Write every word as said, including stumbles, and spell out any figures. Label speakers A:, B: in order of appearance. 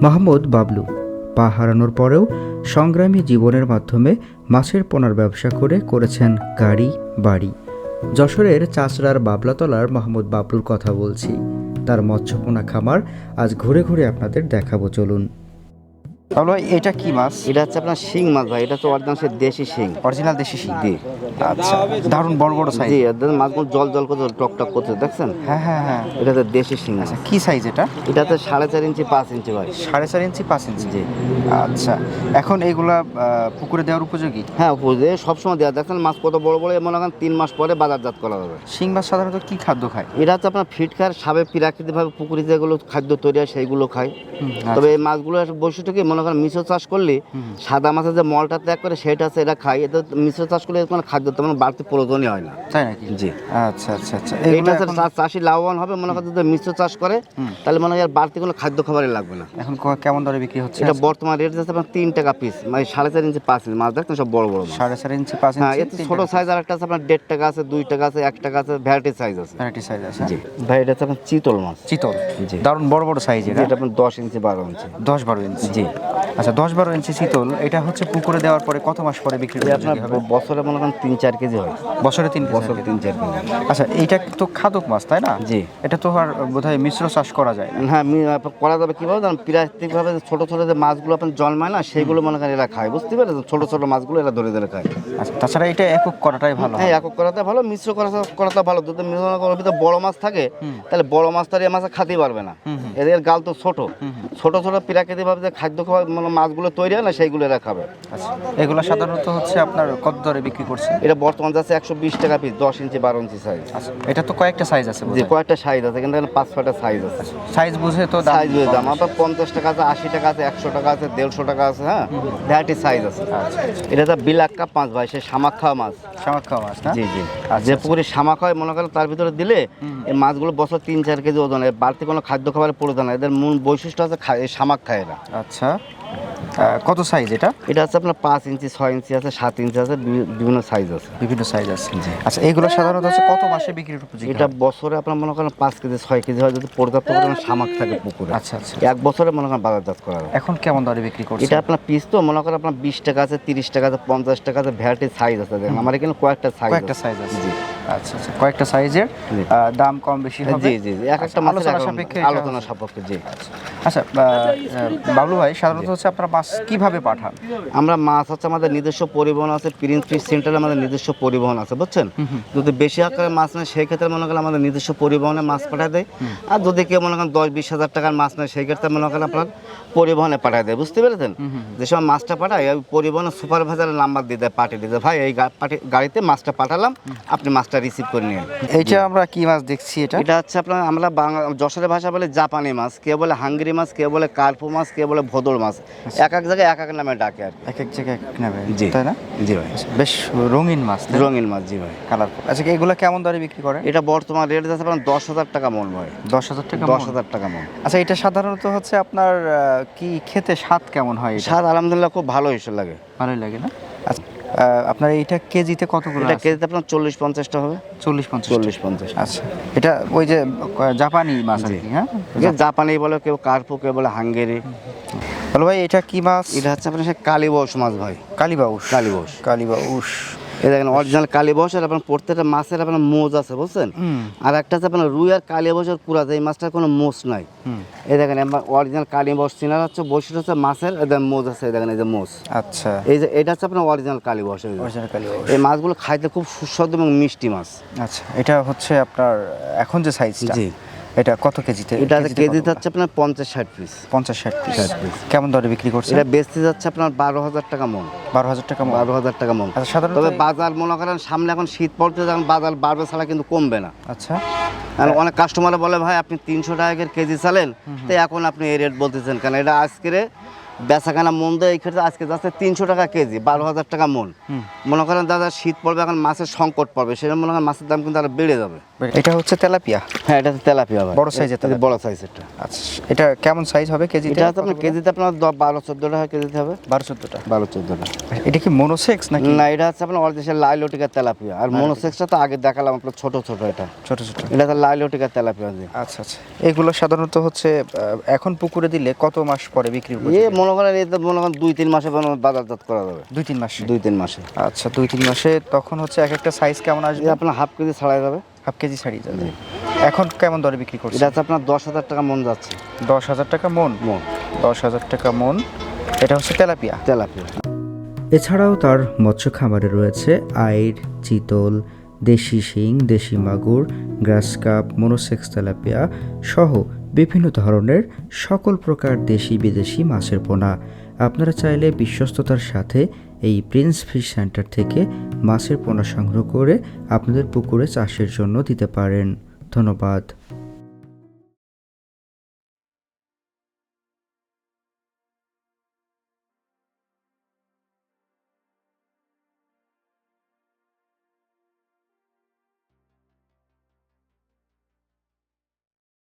A: মাহমুদ বাবলু পা হারানোর পরেও সংগ্রামী জীবনের মাধ্যমে মাছের পোনার ব্যবসা করে করেছেন গাড়ি বাড়ি। যশোরের চাচড়ার বাবলাতলার মাহমুদ বাবলুর কথা বলছি। তার মৎস্যপোনা খামার আজ ঘুরে ঘুরে আপনাদের দেখাবো, চলুন। তাহলে এটা কি মাছ?
B: এটা হচ্ছে আপনার শিং মাছ ভাই। এটা তো অরিজিনাল দেশি শিং,
A: অরিজিনাল দেশি শিং।
B: জি
A: আচ্ছা, দারুণ বড় বড় সাইজ।
B: জি, এদের মাছগুলো জল জল করতে টক টক করতে দেখছেন?
A: হ্যাঁ হ্যাঁ হ্যাঁ,
B: এটা তো দেশি শিং মাছ।
A: আচ্ছা, কি সাইজ এটা?
B: এটাতে সাড়ে চার ইঞ্চি পাঁচ ইঞ্চি ভাই।
A: সাড়ে চার ইঞ্চি পাঁচ ইঞ্চি।
B: জি।
A: আচ্ছা, এখন এইগুলা আহ, পুকুরে দেওয়ার উপযোগী?
B: হ্যাঁ, বুঝে সবসময় দেওয়া। দেখেন মাছ কত বড় বড়, মনে করেন তিন মাস পরে বাজারজাত করা যাবে।
A: শিং মাছ সাধারণত কি খাদ্য খায়?
B: এটা হচ্ছে আপনার ফিট খায়, সাবে প্রাকৃতিকভাবে পুকুরে যেগুলো খাদ্য তৈরি হয় সেইগুলো খায়। তবে এই মাছগুলো বৈশিষ্ট্য কি, মনে করেন মিশ্র চাষ করলে সাদা মাছের যে মলটা ত্যাগ করে সেটা আছে এটা খায়। এতে মিশ্র চাষ করলে কোনো খাদ্য তেমন বাড়তি প্রয়োজনই হয় না।
A: তাই নাকি?
B: জি।
A: আচ্ছা আচ্ছা আচ্ছা,
B: এইটা চাষি লাভবান হবে। মনে করেন যদি মিশ্র চাষ করে তাহলে মনে হয় আর বাড়তি কোনো খাদ্য খাবারই লাগবে না।
A: এখন ক- কেমন দরে বিক্রি হচ্ছে?
B: এটা বর্তমান রেট যাচ্ছে আপনার তিন টাকা পিস, মানে সাড়ে চার ইঞ্চি পাঁচ ইঞ্চি মাছ। দেখছেন সব বড় বড় মাছ।
A: সাড়ে চার ইঞ্চি পাঁচ
B: হ্যাঁ,
A: ইঞ্চি।
B: এতে ছোট সাইজ আর একটা আছে আপনার দেড় টাকা আছে, দুই টাকা আছে, এক টাকা আছে, ভ্যারাইটি সাইজ আছে।
A: ভ্যারাইটি সাইজ আছে।
B: জি ভাই, এটা হচ্ছে আপনার চিতল মাছ।
A: চিতল।
B: জি।
A: দারুণ বড় বড় সাইজ। এটা
B: এটা আপনার দশ ইঞ্চি বারো ইঞ্চি।
A: দশ বারো ইঞ্চি।
B: জি।
A: আচ্ছা, দশ বারো ইঞ্চি চিতল, এটা হচ্ছে পুকুরে দেওয়ার পরে কত মাস পরে বিক্রি
B: এটা আপনার
A: হবে?
B: বছরে মনে করেন তিন চার কেজি হয়।
A: বছরে তিন
B: বছর
A: বছর
B: তিন চার কেজি।
A: আচ্ছা, এইটা তো খাদক মাছ তাই না?
B: জি।
A: এটা তো আর বোধহয় মিশ্র চাষ করা যায় না।
B: হ্যাঁ, মি- আপনার করা যাবে কীভাবে জানেন? প্রাকৃতিকভাবে ছোটো ছোটো যে মাছগুলো আপনার জন্মায় না, সেইগুলো মনে করেন এরা খায়। বুঝতে পারছেন? ছোটো ছোটো মাছগুলো এরা ধরে ধরে খায়।
A: আচ্ছা, তাছাড়া এটা একক করাটাই ভালো।
B: হ্যাঁ, একক করাতে ভালো, মিশ্র করা করাতে ভালো। যদি মিশ্র করার ভিতরে বড় মাছ থাকে তাহলে বড় মাছ তো আর এই মাছ খাতেই পারবে না। এদের গাল তো ছোট ছোট ছোট প্রাকৃতিকভাবে যে খাদ্য খাওয়া মানে মাছগুলো তৈরি হয় না, সেইগুলো এরা খাবে।
A: আচ্ছা, এগুলো সাধারণত হচ্ছে আপনার কত দরে বিক্রি করছে?
B: এটা বর্তমান যাচ্ছে একশো বিশ টাকা পিস, দশ ইঞ্চি বারো ইঞ্চি সাইজ।
A: আচ্ছা, এটা তো কয়েকটা সাইজ আছে।
B: যে কয়েকটা সাইজ আছে, কিন্তু এখানে পাঁচ ছয়টা সাইজ আছে।
A: সাইজ বুঝে তো
B: সাইজ বুঝে দাম আপনার পঞ্চাশ টাকা আছে, আশি টাকা আছে, একশো টাকা আছে, দেড়শো টাকা আছে। হ্যাঁ, ভ্যারাইটি সাইজ আছে। এটা তো বিলাক কাপ মাছ ভাই, সে শামাক খাওয়া মাছ।
A: শামাক খাওয়া মাছ না?
B: জি জি। যে পুকুরে শামাক হয় মনে করেন তার ভিতরে দিলে এই মাছগুলো বছর তিন চার কেজি ওজন, এর বাড়তি কোনো খাদ্য খাবারের প্রয়োজন না। এদের মূল বৈশিষ্ট্য আছে খা- এই শামাক খায় এরা।
A: আচ্ছা, আহ, কত সাইজ এটা?
B: এটা আছে আপনার পাঁচ ইঞ্চি, ছয় ইঞ্চি আছে, সাত ইঞ্চি আছে, বি- বিভিন্ন সাইজ আছে।
A: বিভিন্ন সাইজ আছে। আচ্ছা, এইগুলো সাধারণত হচ্ছে কত মাসে বিক্রির উপযোগী?
B: এটা বছরে আপনার মনে করেন পাঁচ কেজি ছয় কেজি হয় যদি পর্যাপ্ত পরিমাণে শামাক থাকে পুকুরে।
A: আচ্ছা আচ্ছা,
B: এক বছরে মনে করেন বাজারজাত করা যায়।
A: এখন কেমন দরে বিক্রি করছে?
B: এটা আপনার পিস তো মনে করেন আপনার বিশ টাকা আছে, তিরিশ টাকা আছে, পঞ্চাশ টাকা আছে, ভ্যারাইটি সাইজ আছে। দেখেন আমার এখানে কয়েকটা সাইজ
A: কয়েকটা সাইজ আছে।
B: জি।
A: আচ্ছা আচ্ছা, কয়েকটা সাইজের
B: জি।
A: আহ, দাম কম বেশি হবে।
B: জি জি জি, এক একটা মাছের
A: আলোচনা
B: এক রকম-
A: সাপেক্ষে এটা
B: আলোচনা
A: হচ্ছে।
B: সাপেক্ষে। জি।
A: আচ্ছা, আহ, আহ, বাবলু ভাই, সাধারণত হচ্ছে আপনারা মাছ কিভাবে পাঠান?
B: আমরা মাছ হচ্ছে আমাদের নিজস্ব পরিবহন আছে, প্রিন্স ফিশ সেন্টারে আমাদের নিজস্ব পরিবহন আছে, বুঝছেন? যদি বেশি আকারের মাছ নেয় সেই ক্ষেত্রে মনে করেন আমাদের নিজস্ব পরিবহনে মাছ পাঠায় দেয়। আর যদি কেউ মনে করেন দশ বিশ হাজার টাকার মাছ নেয় সেই ক্ষেত্রে মনে করেন আপনার পরিবহনে পাঠায় দেয়। বুঝতে পেরেছেন? যে সময় মাছটা পাঠায় ওই পরিবহনের সুপারভাইজারের নাম্বার দিয়ে দেয়, পাঠিয়ে দিয়ে দেয়, ভাই এই গা- পাঠি- গাড়িতে মাছটা পাঠালাম, আপনি মাছটা রিসিভ করে নিন।
A: এইটা আমরা কি মাছ দেখছি? এটা
B: এটা হচ্ছে আপনার আমরা বাংলা যশোরের ভাষা বলে জাপানি মাছ, কেউ বলে হাঙ্গরি মাছ, কেউ বলে কার্পু মাছ, কেউ বলে ভোদর মাছ। এক এক জায়গায় এক এক নামে ডাকে আর কি।
A: এক এক জায়গায় এক এক নেবে,
B: জি।
A: তাই না?
B: জি ভাই।
A: বেশ রঙিন মাছ,
B: রঙিন মাছ। জি ভাই।
A: কালারফুল। আচ্ছা, এগুলো কেমন দরে বিক্রি করে?
B: এটা বর্তমান রেট যাচ্ছে আপনার দশ হাজার টাকা মন ভাই।
A: দশ হাজার টাকা
B: দশ
A: মণ?
B: হাজার টাকা মন।
A: আচ্ছা, এটা সাধারণত হচ্ছে আপনার আহ, কি খেতে স্বাদ কেমন হয়? এটা
B: স্বাদ আলহামদুলিল্লাহ খুব ভালো হিসেবে লাগে।
A: ভালোই লাগে না? আচ্ছা, আহ, আপনার এইটা কেজিতে কত করে
B: এটা
A: আছে?
B: কেজিতে আপনার চল্লিশ পঞ্চাশটা হবে।
A: চল্লিশ পঞ্চাশ।
B: চল্লিশ পঞ্চাশ।
A: আচ্ছা, এটা ওই যে আহ, জাপানি মাছ আর
B: জি।
A: কি। হ্যাঁ,
B: যে জাপানি বলে, কেউ কার্পু, কেউ বলে হাঙ্গেরি।
A: বলো ভাই, এটা কি মাছ?
B: এটা হচ্ছে আপনার সে কালীবস মাছ ভাই।
A: কালীবাউস।
B: কালীবাউস।
A: কালীবাউস।
B: এই দেখেন অরিজিনাল কালীবস। আর আপনার প্রত্যেকটা মাছের আপনার মোজ আছে, বুঝছেন? আর একটা হচ্ছে আপনার রুই আর কালীবসের কুড়া, এই মাছটার কোনো মোজ নাই। এই দেখেন অরিজিনাল কালীবস চিনার হচ্ছে বৈশিষ্ট্য হচ্ছে মাছের এদের মোজ আছে। এই দেখেন এই যে মোজ।
A: আচ্ছা,
B: এই যে এটা হচ্ছে আপনার অরিজিনাল কালীবস।
A: অরিজিনাল কালীবাউস।
B: এই মাছগুলো খাইতে খুব সুস্বাদু এবং মিষ্টি মাছ।
A: আচ্ছা, এটা হচ্ছে আপনার এখন যে সাইজটা,
B: জি।
A: এটা কত কেজিতে?
B: এটা
A: কেজিতে
B: কেজি
A: কতগুলো?
B: যাচ্ছে আপনার পঞ্চাশ ষাট পিস।
A: পঞ্চাশ ষাট পিস।
B: ষাট পিস।
A: কেমন দরে বিক্রি করছে?
B: এটা বেচতে যাচ্ছে আপনার বারো হাজার টাকা মন।
A: বারো হাজার টাকা মণ।
B: বারো হাজার টাকা মন।
A: আচ্ছা, সাধারণত
B: তবে বাজার মনে করেন সামনে এখন শীত পড়তে, যখন বাজার বাড়বে ছাড়া কিন্তু কমবে না।
A: আচ্ছা,
B: আর অনেক কাস্টমার বলে ভাই আপনি তিনশো টাকা কেজি চালেন, তো এখন আপনি এই রেট বলতেছেন কেন? এটা আজকে বেচাকেনা মন দেয় এই ক্ষেত্রে আজকে যাচ্ছে তিনশো টাকা কেজি, বারো হাজার টাকা মন। মনে করেন দাদা শীত পড়বে, এখন মাছের সংকট পড়বে, সেটা মনে করেন মাছের দাম কিন্তু আরো বেড়ে যাবে।
A: এটা হচ্ছে তেলাপিয়া।
B: হ্যাঁ এটা তেলাপিয়া ভাই,
A: বড় size এর
B: এটা
A: তেলাপিয়া।
B: বড় সাইজেরটা।
A: আচ্ছা, এটা কেমন সাইজ হবে কেজিতে?
B: এটা হচ্ছে আপনার কেজিতে আপনার দ- বারো চোদ্দ টাকা কেজিতে হবে।
A: বারো চোদ্দটা।
B: বারো চোদ্দ টাকা।
A: এটা কি মনোসেক্স নাকি?
B: না এটা হচ্ছে আপনার অরিজিনাল লাইলোটিকা তেলাপিয়া, আর মনোসেক্সটা তো আগে দেখালাম আপনার ছোট ছোট, এটা
A: ছোট ছোট।
B: এটা হচ্ছে লাইলোটিকা তেলাপিয়া।
A: আচ্ছা আচ্ছা, এগুলো সাধারণত হচ্ছে আহ, এখন পুকুরে দিলে কত মাস পরে বিক্রি
B: এ
A: উপযোগী?
B: মনে করেন এই তো মনে করেন দুই তিন মাসে মনে- বাজারজাত করা যাবে।
A: দুই তিন মাসে।
B: দুই তিন মাসে
A: আচ্ছা, দুই তিন মাসে তখন হচ্ছে এক একটা সাইজ কেমন
B: এটা
A: আসবে?
B: আপনার হাফ কেজি ছাড়াই যাবে।
A: হাফ কেজি ছাড়িয়ে যাবে। এখন কেমন দরে বিক্রি করছে?
B: এটা হচ্ছে আপনার দশ হাজার টাকা মন যাচ্ছে।
A: দশ হাজার টাকা মন।
B: মন
A: দশ হাজার টাকা মন। এটা হচ্ছে তেলাপিয়া।
B: তেলাপিয়া।
A: এছাড়াও তার মৎস্য খামারে রয়েছে আইড়, চিতল, দেশি শিং, দেশি মাগুর, গ্রাস কাপ, মনোসেক্স তেলাপিয়া সহ বিভিন্ন ধরনের সকল প্রকার দেশি বিদেশি মাছের পোনা। আপনারা চাইলে বিশ্বস্ততার সাথে এই প্রিন্স ফিশ সেন্টার থেকে মাছের পোনা সংগ্রহ করে আপনাদের পুকুরে চাষের জন্য দিতে পারেন। ধন্যবাদ।